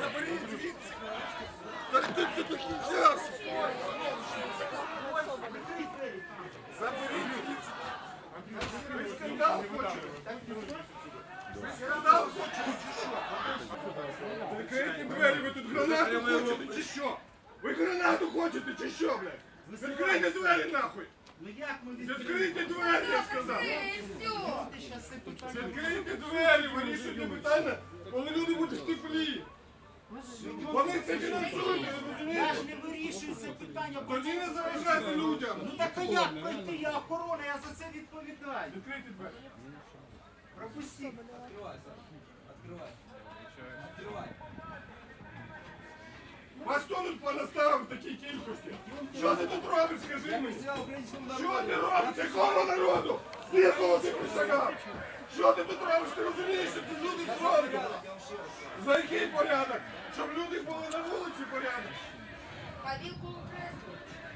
Заберіть звідси! Так ти до кінця! Заберіть звідси! Ви скандал хочете? Ви скандал хочете чи що? Закрийте двері, ви тут гранату хочете чи що? Ви гранату хочете чи що, блядь? Відкрийте двері нахуй! Ну як ми Відкрийте двері, я сказав! Відкрийте двері, вирішуйте питання, коли люди будуть в теплі! Вони це фінансують, ви Я ж розумієте? не вирішую це питання. Тоді не заважайте людям! Ну так а як пройти? Я охорона, я за це відповідаю. Відкрийте двері! Пропустіть. Открывай, Саша. Открывай. Открывай. Вас хто тут понаставив в такій кількості? Що ти тут робиш, скажи мені? Що ти робиш? Якому народу? Якого ти присягав? Що ти тут робиш? Ти розумієш, що тут люди зроблять? За який порядок? Щоб люди були на вулиці порядок? Павілку Креску.